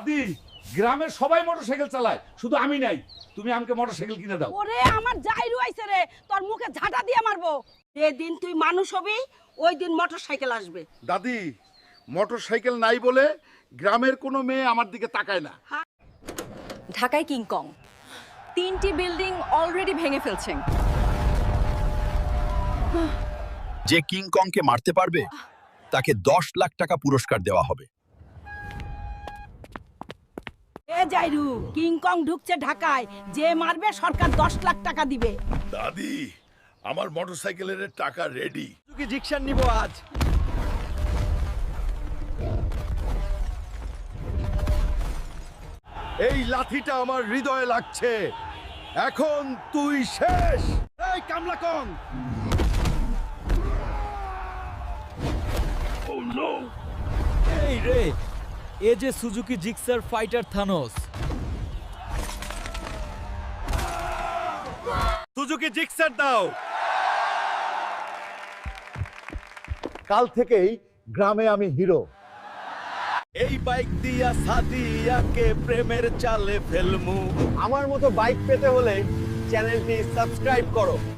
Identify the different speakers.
Speaker 1: দাদি, গ্রামের সবাই মোটরসাইকেল চালায়, শুধু আমি নাই। তুমি আমাকে মোটরসাইকেল কিনে দাও।
Speaker 2: ওরে আমার জাইরু আইছে রে, তোর মুখে ঝাঁটা দিয়ে মারবো। যেদিন তুই মানুষ হবি ওই দিন মোটরসাইকেল আসবে।
Speaker 3: দাদি, মোটরসাইকেল নাই বলে গ্রামের কোনো মেয়ে আমার দিকে তাকায় না।
Speaker 4: ঢাকায় কিংকং 3টি বিল্ডিং অলরেডি ভেঙে ফেলছেন।
Speaker 5: যে কিংকংকে মারতে পারবে তাকে 10 লাখ টাকা পুরস্কার দেওয়া হবে।
Speaker 2: এ জাইরু, কিংকং ঢুকছে ঢাকায়, যে মারবে সরকার 10 লাখ টাকা দিবে।
Speaker 3: দাদি, আমার মোটরসাইকেলের টাকা রেডি।
Speaker 6: কি জিকশন নিব আজ?
Speaker 3: এই লাঠিটা আমার হৃদয়ে লাগছে। এখন তুই শেষ।
Speaker 6: এই কামলা কং! এই রে, এ যে Suzuki Gixxer Fighter Thanos.
Speaker 3: Suzuki Gixxer দাও। কাল থেকেই গ্রামে আমি হিরো।
Speaker 6: এই বাইক দিয়া সাদিয়াকে প্রেমের চালে ফেলমু।
Speaker 7: আমার মতো বাইক পেতে হলে চ্যানেলটি সাবস্ক্রাইব করো।